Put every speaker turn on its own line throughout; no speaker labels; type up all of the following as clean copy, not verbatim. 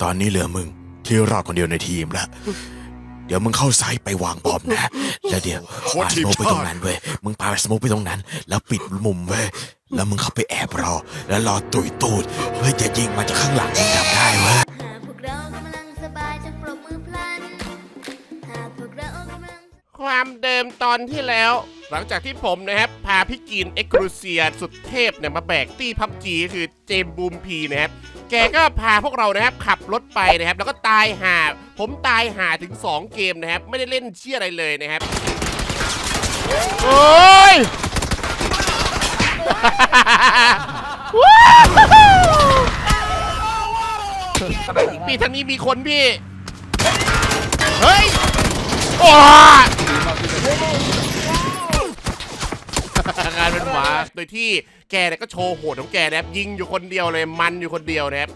ตอนนี้เหลือมึงที่รอดคนเดียวในทีมแล้วเดี๋ยวมึงเข้าไซต์ไปวางบอมนะแล้วเดี๋ยวปาสโมกไปตรงนั้นเว้ยมึงปาสโมกไปตรงนั้นแล้วปิดมุมเว้ยแล้วมึงเข้าไปแอบรอแล้วรอตุยตูดเพื่อจะยิงมาจากข้างหลังมึงทำได้เว้ย
ความเดิมตอนที่แล้ว หลังจากที่ผมนะครับพาพี่กินเอ็กครูเซียสุดเทพเนี่ยมาแบกตี้พับจีคือเจมบูมพีนะครับแกก็พาพวกเรานะครับขับรถไปนะครับแล้วก็ตายห่าผมตายห่าถึง2เกมนะครับไม่ได้เล่นเชี่ยอะไรเลยนะครับโอ้ย ปีทางนี้มีคนพี่เฮ้ยโอ้งานเป็นหมาโดยที่แกเนี่ยก็โชว์โหดของแกนะครับยิงอยู่คนเดียวเลยมันอยู่คนเดียวนะครับ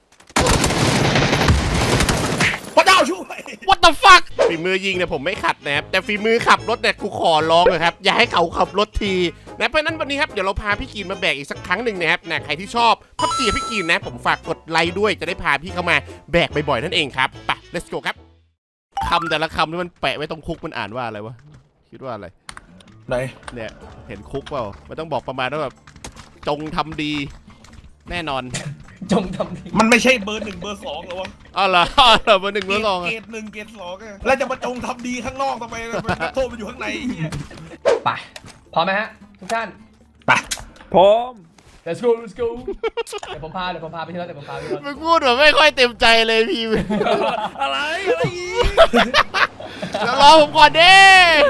พระเจ้าช่วย
What the fuck ฝีมือยิงเนี่ยผมไม่ขัดนะครับแต่ฝีมือขับรถเนี่ยกูขอร้องเลยครับอย่าให้เขาขับรถทีนะเพราะนั้นวันนี้ครับเดี๋ยวเราพาพี่กีนมาแบกอีกสักครั้งหนึ่งนะครับนะใครที่ชอบพับจีพี่กีนนะผมฝากกดไลค์ด้วยจะได้พาพี่เข้ามาแบกบ่อยๆนั่นเองครับไป let's go ครับคำแต่ละคำที่มันแปะไว้ตรงคุกมันอ่านว่าอะไรวะคิดว่าอะไร
ไหน
เนี่ยเห็นคุกเปล่ามันต้องบอกประมาณว่าแบบจงทำดีแน่นอน
จงทำดี
มันไม่ใช่เบอร์ 1 เบอร์ 2หรอวะ
อ๋อเหรอเบอร์ 1เบอร์ 2
เกรด 1 เกรด 2แล้วจะมาจงทำดีข้างนอกทำไมนักโทษมันอยู่ข้างใน
ไปพร้อมไหมฮะทุกท่าน
ไป
พร้อม
let's go let's go เดี๋ยวผมพาไปที่รถ
มึงพูดแบบไม่ค่อยเต็มใจเลยพี่
อะไรอีก
เดี๋ยวรอผมก่อนดิ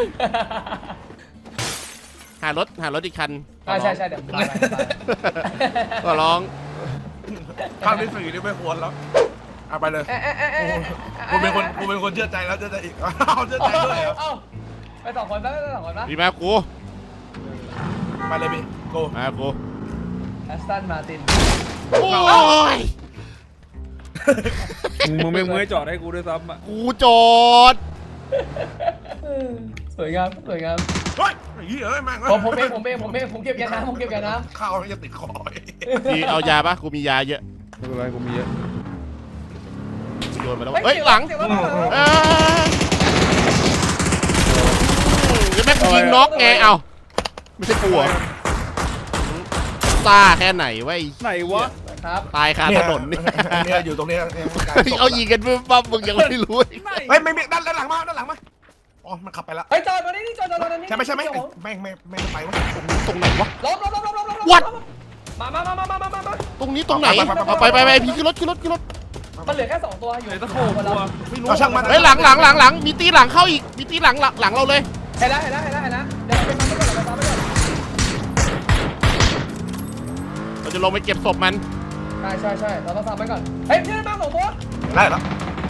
หารถอีกคัน
ใช่เดี๋ยวผมพาไป
ก็ร้อง
ข้ามที่4นี่ไม่ควรแล้วเอาไปเลยกูเป็นคนเชื่อใจแล้วเชื่อใจอีกเอาเชื่อใจด้วย
ไป2 คนปะ
ดีมากกู
ไปเลยพี่โก
มากู
แอสตันมาติน
โอ้ย
มึงไม่จอดให้กูด้วยซ้ำอ่ะ
กูจอด
สวยงาม
เฮ้ยเฮ้ยแม่ง
ผมเก็บยาน้ำ
ข้าวจะติดคอ
พี่เอายาปะกูมียาเยอะ
ไม่เป็นไรกูมีเยอะ
โยนมาแล้วเฮ้ยหลังจะแม่งยิงน็อกไงเอาไม่ใช่กูซ่าแค่ไหนวะ
ไหนวะ
ครับ
ตายคาถนนนี่
อยู่ตรงนี้
เอายิงกันปั๊บมึงยังไม่รู้
เฮ้ยไม่ด้านหลังมาอ๋อมันขับไปแล้ว
เฮ้ยจอดตรงนี้จอดนี่
ใช่ไหมไม่ไปวะ
ตรงไหนวะ
ลบ
วัด
มา
ตรงนี้ตรงไหนไปพี่ขึ้นรถ
มันเหลือแค่2ตัวอยู่
ไหนตะโขบตัว
ไม่รู้เฮ้ยหลังมีตีหลังเข้าอีกมีตีหลังเราเลย
เห็นแล้วเดี๋ยวไปซ้ำไปก่อน
เราจะลงไปเก็บศพมัน
ใช่เราต้องซ้ำไปก่อนเฮ้ยพี่ได้มา2ตัว
ได้แล้ว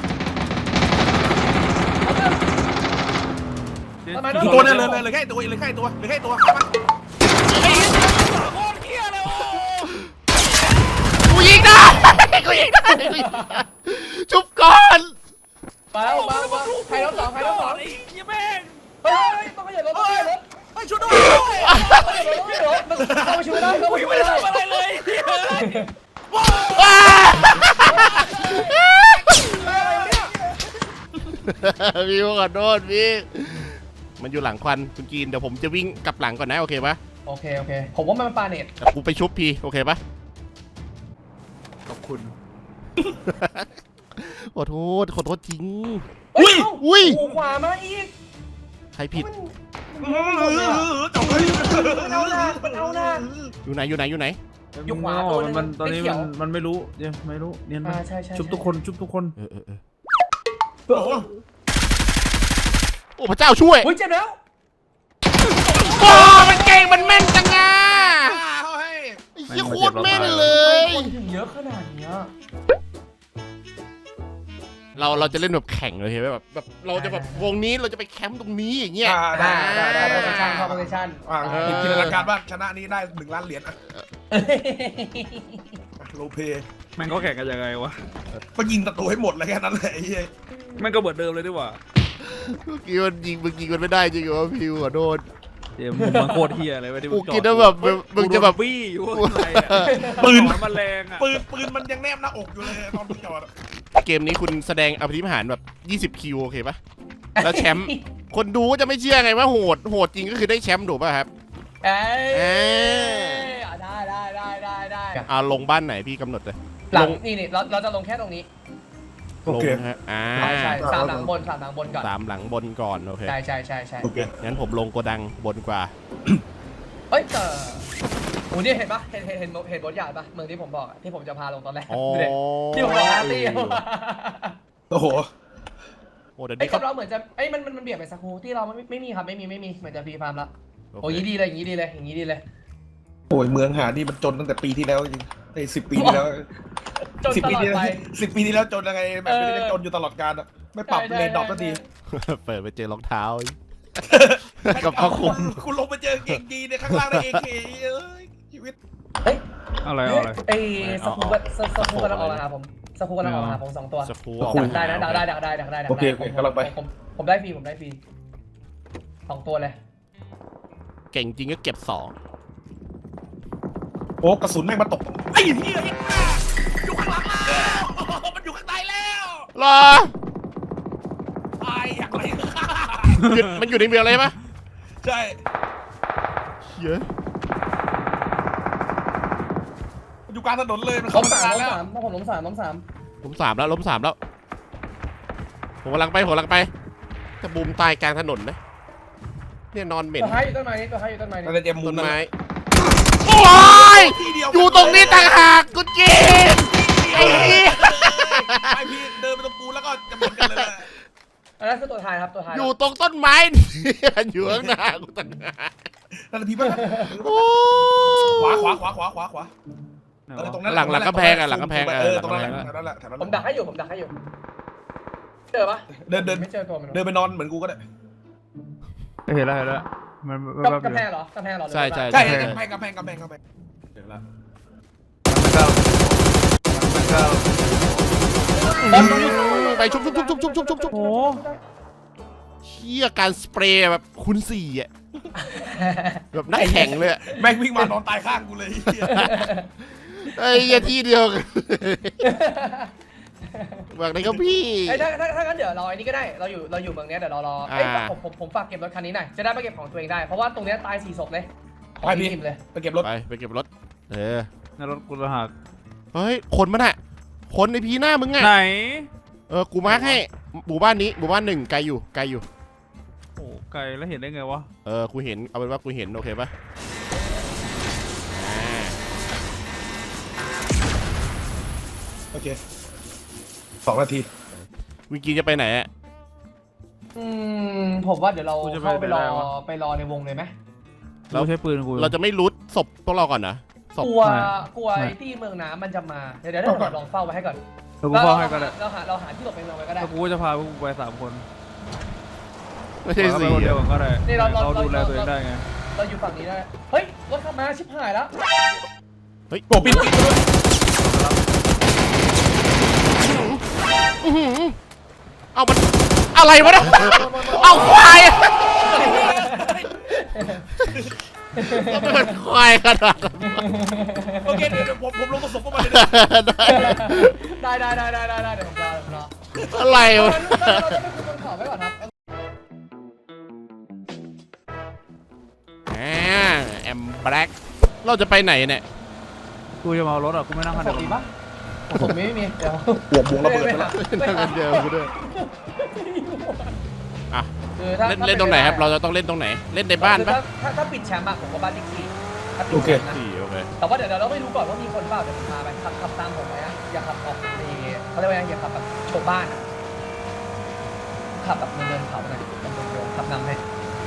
ตัวนึงเลยแค่ตัว
กูยิงได้ชุบก่อน
มาใครรถ2ไอ้ยี่แม่งเฮ้ยต้องขยับรถ
ช่วยด้วย
เข้าไปช่วยได้
อะไรเลย
พี่ขอโทษพี่มันอยู่หลังควันคุณกีนเดี๋ยวผมจะวิ่งกลับหลังก่อนนะโอเคปะ
โอเคผมว่ามันปาเน็ต
กูไปชุบพี่โอเคปะ
ขอบคุณ
ขอโทษจริง
อุ้ยขวามาอีก
ใครผิด
เอาหน้า
อยู่ไหน
อยู่ขวาตัวนึง
ตอนนี้มันไม่รู้ยังไม่รู้เนี่ยชุบทุกคน
โอ้พระเจ้าช่วย
เจ็บแล้ว
โอ้มันเก่งมันแม่นจังอ่ะไอ้โคตรแม่นเลย
คนถึงเยอะขนาดนี้
เราจะเล่นแบบแข่งเลยใช่ไหมแบบเราจะแบบวงนี้เราจะไปแคมป์ตรงนี้อย่างเงี้ย
ได้โพซิชั่นเข้าโพซิชั่น
จินตนาการว่าชนะนี้ได้1 ล้านเหรียญโลเพ
แม่งก็แข่งกันยังไงวะ
ก็ยิงประตูให้หมดเลยแค่นั้นเลย
แม่งก็เหมือนเดิมเลยดีกว่า
มึงยิงมันไม่ได้จริงเหรอพี่ขอโทษ
เจมส์มุมมันโคตรเฮียเลยเว้ยที่
กู
มึงจอด
คิดว่าแบบมึงจะแบบ
บี้อยู่ข้างในอะ
ปืน
หอนมันแรงอะ
ปืนมันยังแนบหน้าอกอยู่เลยตอนที่จอดอะ
เกมนี้คุณแสดงอภิมหารแบบ20 คิวโอเคปะแล้วแชมป์คนดูก็จะไม่เชื่อไงว่าโหดจริงก็คือได้แชมป์ถูกป่ะครับ
เอ้
เอ้
ได้
ลงบ้านไหนพี่กำหนดเลย
หลังนี่เราจะลงแค่ตรงนี้
โอเค
ลงฮะ
ใช่สามหลังบนก่อน
สามหลังบนก่อนโอเค
ใช่
โอเค
งั้นผมลงโกดังบนกว่า
เอ้ยโอ้นี่เห็นปะเห็นบทใหญ่ปะเมืองที่ผมบอกที่ผมจะพาลงตอนแรก
อ๋อ
ดูดิที่ผมบอกอาร์ตี้
โอ้โห
โอ้เดี๋ยว
ไอ้
นี้
กั
เขา
บเราเหมือนจะไอ้มันเบียดไปสักครู่ที่เราไม่มีครับไม่มีเหมือนจะฟรีฟาร์มละโอ้ยดีเลยอย่างนี้ดีเลย
โอ้ยเมืองหานี่มันจนตั้งแต่ปีที่แล้วจริงใน10 ปีที่แล้ว
จน
10
ต
ปี
ลอด
ที่แล้ว
ไป
10 ปีที่แล้วจนยังไงแบบไม่ได้จนอยู่ตลอดกาลอะไม่ปรับ
ใช่
เลนดรอปสักที
เปิดไปเจอรองเท้า กับผ้าคลุม
คุณลงไปเจอเก่งดีในข้างล่างได้เอเคเอ้ยชีวิต
เฮ้ย
อะไร
ไอ้สกูกำลังออกมาหาผมสกูกำลังออกมาหาผม2 ตัว
สกู
ดักได้นะดักได้
โอเคกำลังไป
ผมได้ฟรี2 ตัวเลย
เก่งจริงก็เก็บ
โอ้กระสุนแม่งมาตกไอ้เหี้ยอยู่ข้างหลังแล้วมันอยู่ข้างในแล้ว
2รอ
ตายอย่างไร
มันอยู่ในเมืองเลยปะ
ใช่
เยอะ
มันอยู่กลางถนนเลยมัน
ล้
เข้าม มาตั้ง
สาน
าม นแล้ว
ถ้าผมล้มสาม
ล้ม 3แล้วผมกำลังไปแต่บูมตายกลางถนนนะเนี่ยนอนเหม็น
ตัวท้ายอยู่ต้นไม้นี่
นั่นเป็นเจมมุ
ต้
ม
น
นั่น
ไม้
แหละ
โอ้ย
ที่เดีว
อยู่ตรงนี้ต่างหากกูจีนไอ้เหี้ย
ไอพี่เดินไปตรงปูแล้วก็จะเหมือนกันเลยแหละ
อันนั้นคือตัวท้ายครับตัวท้าย
อยู่ตรงต้นไม้เนี่ยอยู่ข้างหน้ากูต่างหาก
นั่นแหละพี่ป่ะ
โอ้
ขวาตรงนั้น
หลังกำแพงอะหลังกำแพง
ตรงนั้นแหละแถวนั้นแหละ
ผมดักให้อยู่เจอปะ
เดิน
ไม่เจอตัวมัน
เดินไปนอนเหมือนกูก็ได้
เห็นแล้วมัน
กำแพงเหรอ
ใช่
ใช่กำแพงเดี๋ยวละ
ไปชุบโอ้เชี่ยการสเปรย์แบบคูณ4อะแบบนักแข่งเลยอะ
แม่งวิ่งมานอนตายข้างกูเลย
ไอ้เหี้ยที่เดียวกันบอกเลยครับพี่
ไอ้ถ้างั้นเดี๋ยวเราไอ้นี่ก็ได้เราอยู่เมืองนี้เดี๋ยวเรารอเอ้ยผมฝากเก็บรถคันนี้หน่อยจะได้ไปเก็บของตัวเองได้เพราะว่าตรงนี้ตาย4 ศพเลยของทีมเลย
ไปเก็บรถ
ไปเก็บรถ
ในรถกูจะหัก
เฮ้ยคนมันอะคนในพีหน้ามึงอะ
ไหน
กูมาร์คให้หมู่บ้านนี้หมู่บ้าน1ไกลอยู่
โอ้ไกลแล้วเห็นได้ไงวะ
กูเห็นเอาเป็นว่ากูเห็นโอเคปะ
โอเค2 นาที
วิงกีจะไปไหนอะ
ผมว่าเดี๋ยวเราเข้าไปรอในวงเลยไหม
เราใช้ปืนกู
เราจะไม่รูทศพพวกเราก่อนนะศพ
กลัวไอ้ที่เมืองน้ำมันจะมาเดี๋ยวเราลองเฝ้าไว้ให้ก่อน
กูเฝ้าให้ก็ได้
เราหาที่หลบในเมืองไว้ก็ได้
แล้วกูจะพาพวกกูไป3 คน
ไม่ใช่
ไป
สี่
คนเดียว
อะ
ก็ได้
นี่เรา
ดูแลตัวเองได้ไง
เราอยู่ฝั่งนี้ได้เฮ้ยรถขับมาชิบหายแล้ว
เฮ้ย
โอ้ปิดด้วย
เอามันอะไรวะเนี่ยเอาควายอะก็เป็นควายขนาดนั้น
โอเคเดี๋ยวผมลงผสมเข้ามาเลย
ได้เดี๋ยวผมรอ
อะไรวะ
เราจะไปคุยบนเขาไว้ก่อนครับ
แอมแบล็กเราจะไปไหนเนี่ย
กูจะมาเอารถอ่ะกูไม่นั่งคัน
ผ
เดียว
มมีปะผมไม่มีเดี๋ยว
หัววงระเบิดไปแล้ว
นั่งกันเดียวกูด้วยอ่ะ
คือถ้า
เล่นตรงไหนครับเราจะต้องเล่นตรงไหนเล่นในบ้านปะ
ถ้าปิดแชมป์อะผมก็บ้านติ๊กซี่ถ้าปิ
โอ
ด
เค
แชมป์นะ
สี่โอเค
แต่ว่าเดี๋ยวเราไม่รู้ก่อนว่ามีคนเปล่าเดี๋ยวผมพาไปขับตามผมไปอะอย่าขับออกนี่เขาเรียกว่าอย่าขับแบบโชว์บ้านอะขับแบบเดินเขาหน่อยขับนำให้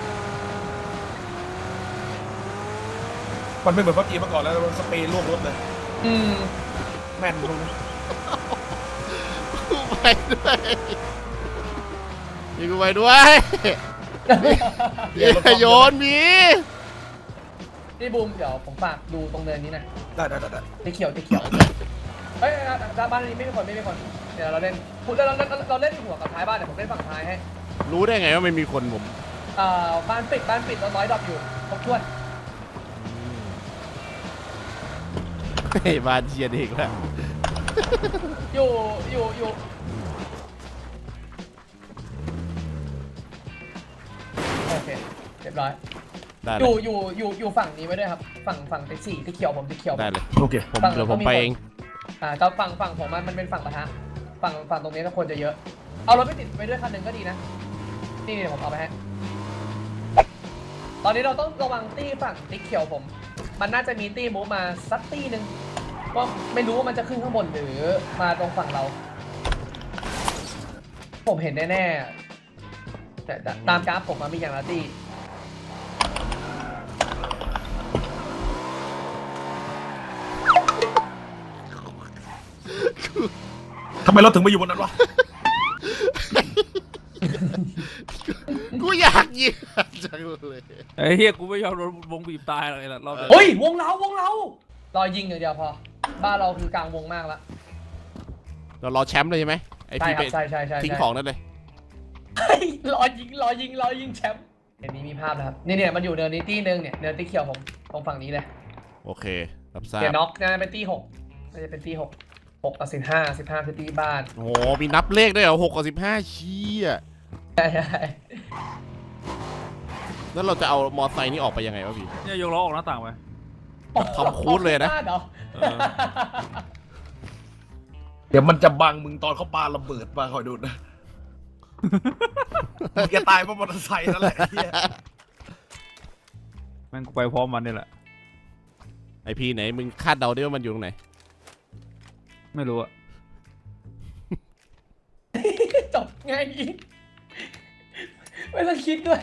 มันไม่เหมือนพับจีมาก่อนแล้วมันสเปรย์ลวกรถเลยแม่นตรงนี้
ไปด้วยมีกูไปด้วยอย่าโยนมี
พี่บูมเดี๋ยวผมฝากดูตรงเนินนี้หนะ
ได้
ตีเขียวเฮ้ยบ้านนี้ไม่มีคนเดี๋ยวเราเล่นเราเล่นหัวกับท้ายบ้านเดี๋ยวผมเล่นฝั่งท้ายให้
รู้ได้ไงว่าไม่มีคนผม
บ้านปิดแล้วร้อยดรอปอยู่ครบถ้วน
เฮ้ยบ้านเชียร์อีกแล้ว
อยู่โอเคเรียบร้อย
ได้
อ
เลย
ยู่ฝั่งนี้ไว้ด้วยครับฝั่งติ๊กสี่ที่เขียวผมติ๊กเขียว
ได้เลย
โอเค
เดี๋ยวผมไปเอง
ก็ฝั่งผมมันเป็นฝั่งปะทะฝั่งตรงนี้ถ้าคนจะเยอะเอารถไปติดไปด้วยคันหนึ่งก็ดีนะนี่เดี๋ยวผมเอาไปให้ตอนนี้เราต้องระวังตี้ฝั่งติ๊กเขียวผมมันน่าจะมีตี้มูฟมาสักตี้หนึ่งก็ไม่รู้ว่ามันจะขึ้นข้างบนหรือมาตรงฝั่งเรา ผมเห็นแน่ๆแต่ตามกราฟผมมันมีอย่างละตี้
ทำไมเราถึงมาอยู่บนนั้นวะ
กูอยากยิงจังเลย
ไอ้เฮียกูไม่ยอมโดนวงบีบตายเลยรอบนี้
เฮ้ยวงเรารอยิงอย่างเดียวพอบ้านเราคือกลางวงมากแล้ว
เรารอแชมป์เลยใช่ไหมไอ
ใช่
พี่
ค
ไป
รับใช่
ทิ้งของนั่นเลย
รอยิงแชมป์เดี๋ยวนี้มีภาพนะครับเนี่ยมันอยู่เนินนี้ตี้นึงเนี่ยเนินตี้เขียวผมตรงฝั่งนี้เลย
โอเครับทราบ
เดี๋ยวน็อกน่าจะเป็นตี้6น่าจะเป็นตี้6 กับ15คือตี้บ้าน
โอ้โหมีนับเลขด้วยเหรอ6 กับ 15ชี้อ่ะ
ใช่
แล้วเราจะเอามอไซค์นี่ออกไปยังไงวะพี่
เนี่ยยกล้อออกหน้าต่างไป
ทำคูดเลยนะ
บ้าหรอ
เดี๋ยวมันจะบังมึงตอนเขาปาระเบิดมาคอยดูนะมึงจะตายเพราะมอเตอร์ไซค์นั่นแหละไอ้เหี้ย
แม่งกูไปพร้อมมันนี่แหละ
ไอพี่ไหนมึงคาดเดาได้ว่ามันอยู่ตรงไหน
ไม่รู้อะ
จบง่ายอีกไม่ต้องคิดด้วย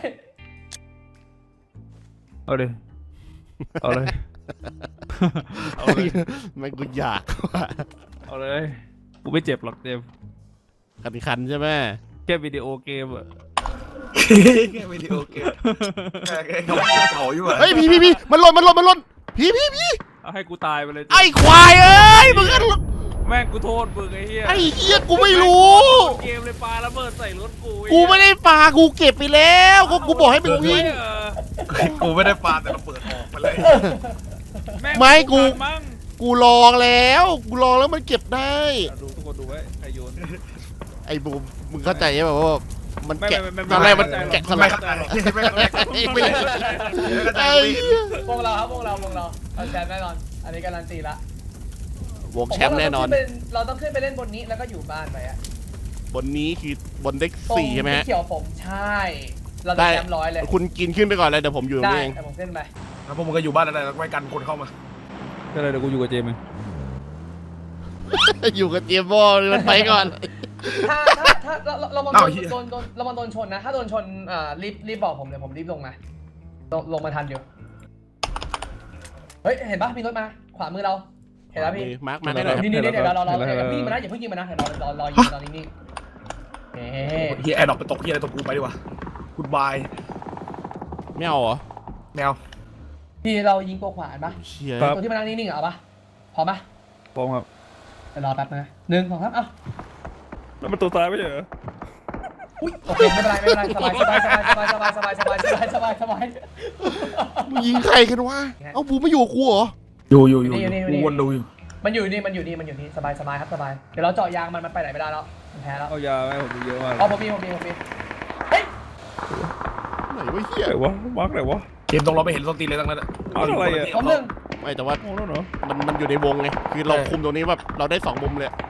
เอาเลยเอาเลย เอาเลย
มันกูอยากว่ะ
เอาเลยกูไม่เจ็บหรอกเจมส์
คันใช่ไหม
แค่วิดีโอเกมอะ
แค่วิดีโอเกมแค่เก่าอยู่
เฮ้ยพี่มันหล่นพี่
เอาให้กูตายไปเลยเจมส์
ไอ้ควายเอ้ยมึงก็
แม่งกูโทษมึงไอ้เหี้ย
ไอ้เหี้ยกูไม่รู้
เกมเลยปาระเบิดใส่รถกู
กูไม่ได้ปากูเก็บไปแล้วก็กูบอกให้มึงวิ่ง
กูไม่ได้ปาแต่ระเบิดออกไปเลย
ไม่กู
มั้ง
กูลองแล้วมันเก็บได้
ดูทุกคนดูไว้ใครโยน
ไอ้บูมมึงเข้าใจใช่ป่ะว่ามันแกะ
ไม่
ตอนแรกมัน
ไม่
แกะส
ไม่
ลัก
เข้าใจหรอกไม่เข้าใจ
ไม่เลยไอ้เหี้ยว
งเราครับวงเราเอาแชมป์แน่นอน อันนี้การันตีละ
วงแชมป์แน่นอน
เราต้องขึ้นไปเล่นบนนี้แล้วก็อยู่บ้านไปอะ
บนนี้คือบนเด็ก
ตรง
4ใช่ไหมฮะ
ที่เขียวผมใช่ เราจะ
ได้
แชมป์100เลย
คุณกินขึ้นไปก่อนเลยเดี๋ยวผมอยู่ตรง
ได้
นี้เอง
แต่ผมขึ้นไป
แล้วพวกมึงก็อยู่บ้านอะไรแล้วไม่กันคนเข้ามา
ก็เลยเดี๋ยวกูอยู่กับเจมส์เอง
อยู่กับเจมส์บอลมันไปก่อน
ถ้าเรามา
อ้าว
โดน
เหี้ย
เรามาโดนชนนะ ถ้าโดนชนรีบบอกผมเดี๋ยวผมรีบลงมาลงมาทันอยู่เฮ้ยเห็นปะมีรถมาขวามือเราเห็นแล้วพี่
มาร์คให้หน่อยครับ
นี่เดี๋ยวเราพี่มานะอย่าเพิ่งยิงมานะเดี๋ยวรอยิงตอนนี้นี่เฮ้
เฮียแอร์ดรอปไปตกเฮียอะไรตกกูไปดีกว่ากูดบาย
ไม่เอาเหรอ
แมว
พี่เรายิงตัวขวาปะ
เชี่ย
ตัวที่มานั่งนิ่งๆเอาปะพร้อมปะ
พร้อมครับ
เดี๋ยวรอแป๊บนะ1 2 3เอ้า
แล้วมันตัวตายไม่ใช่เหรอ
อุ้ยโอเคไม่เป็นไรสบาย
มึงยิงใครกันวะเอาบูมไม่อยู่กับกูเหรอ
อยู่กูวนดูอยู่
มันอยู่นี่สบายครับสบายเดี๋ยวเราเจาะยางมันไปไหนไม่ได้แล้วมันแพ้แล้ว
เอายาไหมผมดูเยอะมาก
อ๋อผมมีเฮ้ย
ไหนวะเฮีย
ไหนวะมาร์กไหนวะ
เกมตรงเราไม่เห็นส้นตีนเลยตั้งนั้น
เอาอะไรอะ
ผม1
ไม่แต่ว่า
โอ้แล้วเหรอ
มันอยู่ในวงไงคือเราคุมตรงนี้แบบเราได้2มุมเลย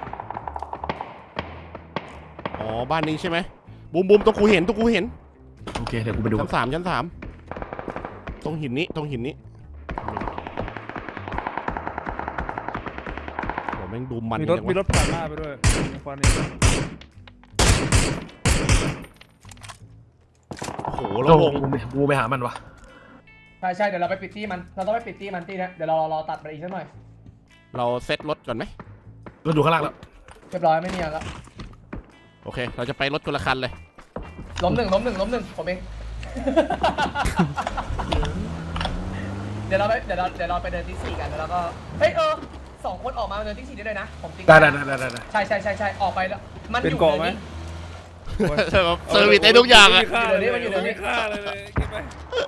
อ๋อบ้านนี้ใช่ไหมบูมตรงกูเห็น
โอเคเดี๋ยวกูไปดู
ชั้น 3ตรงหินนี้โหแม่งดูมัน
มีรถผ่านหน้าไปด้วยฟันนี่
โอ้โห
แล้
แล้ว ว
ว
วง
กูไปหามันวะ
ใช่เดี๋ยวเราไปปิดตี้มันเราต้องไปปิดตี้มันตี้นะเดี๋ยวเราตัดไปอีกสักหน่อย
เราเซ็ตรถก่อนไหม
รถอยู่ข้างล่างแล้ว
เรียบร้อยไม่มีอะไรแล้ว
โอเค เราจะไปรถคนละคันเลย
ล้มหนึ่งผมเองเดี๋ยวเราไปเดินที่4กันแล้วก็เฮ้ย2 คนออกมาเดินที่4ได้เลยนะผมติ๊ก
ได้
ใช่ออกไปแล้วมันอยู่
เซอร์วิสได้ทุกอย่างอะ
เดี๋ยวนี้มันอยู่เดี๋ยวนี้
ค่าเลยเก็บไป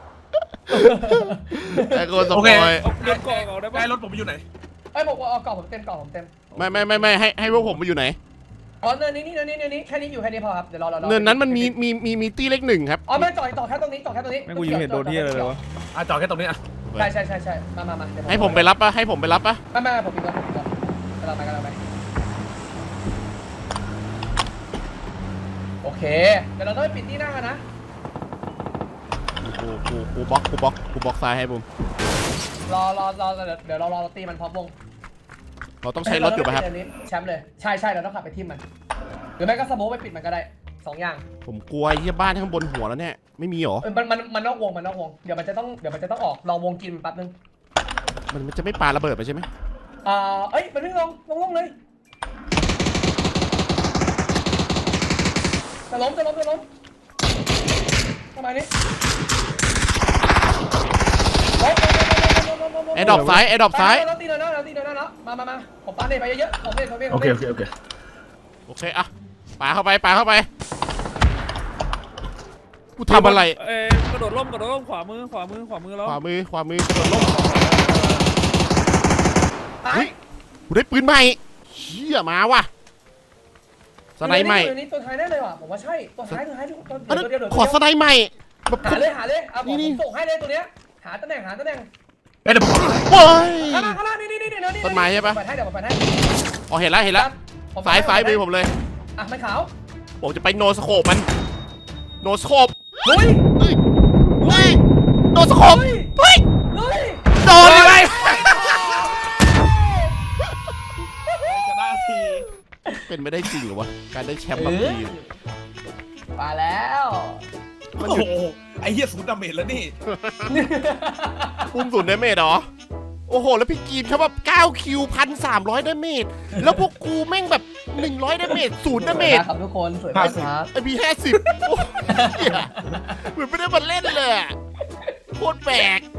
ไอ้คนส
โอ
ป
เค
อย
เอาเงินกองเอาได้ปะ
ได้รถผมอยู่ไหน
ไอ้ยบอกว่าเอากล่องผมเต็มกล่องผมเต็ม
ไม่ให้พวกผมมาอยู่ไหน
อ๋อเนินนี้แค่นี้อยู่แค่นี้พอครับเดี๋ยวรอ
เนินนั้นมันมีตี้เล็กหนึ่งครับ
อ๋อไม่ต่อแค่ตรงนี้ต่อแค่ตรงนี้
แม่งกูยิงเห็นโดนที่อะไรเลยวะ
จอดแค่ตรงนี้อ่ะ
ใช่มาเดี๋ยว
ให้ผมไปรับปะให้ผมไปรับปะ
ไม่ผมปิดก่อนกำลังไปโอเคเดี๋ยวเราต้องไปปิดที่หน้ากันนะ
กูบล็อกซ้ายให้บุม
รอเดี๋ยวเรารอตีมันพร้อมวง
เราต้องใช้รถอยู่ป่ะครับ
แชมป์เลยใช่เราต้องขับไปทิมมันหรือไม่ก็สโมกไปปิดมันก็ได้2 อย่าง
ผมกลัวไอ้ที่บ้านข้างบนหัวแล้วเนี่ยไม่มีหรอ
มันนอกวงเดี๋ยวมันจะต้องออกรอวงกินแป๊บนึง
มันจะไม่ปาระเบิดไปใช่ไหม
เอ้ยมันวิ่งลงเลยจะล้มทำไมนี่
แอร์ดรอปซ้าย
เราตีแล้วมาผมปาเนไปเยอะๆผมเน
โอเค
โอเคอะปาเข้าไปกูทำอะไร
กระโดดร่มขวามือแล้ว
ขวามือกระโดดล่มเฮ้ยกูได้ปืนใหม่เชี่ยมาว่ะสไนด์ใหม่
ตัวนี้ตัวท้ายแน่เลยว่ะผมว่าใช่ตัวท้าย
อันนั้น
เดี๋ยว
ขอสไนด์ใหม่แบบ
หาเลยผมส่งให้เลยตัวเนี้ยหาตำแหน่ง
เอ้ยเดี๋ยวผม
โอ้ย
ข้างล่างนี่
ต้นไม้ใช่ปะ
เดี๋ยวผมไปให้
อ๋อเห็นแล้วซ้ายมือผมเลย
อ่ะไม่ขาว
ผมจะไปโนสโคปมันโนสโคป
ลุย
เฮ้ยโนสโคปเฮ้ย
ลุย
โดนเลยไหม
จะได้ที
เป็นไม่ได้จริงเหรอวะการได้แชมป์บางที
มาแล้ว
โอ้โหไอ้เหี้ยศูนย์ดาเมจแล้วนี่
อุ้มศูนย์ดาเมจเหรอโอ้โหแล้วพี่กีนเขาแบบ9คิว1,300ดาเมจแล้วพวกกูแม่งแบบ100ดาเมจ0ดาเมจ
ครับทุกคนสวยมากครับ
ไอพี50เหมือนไม่ได้มาเล่นเลยอะโคตรแปลก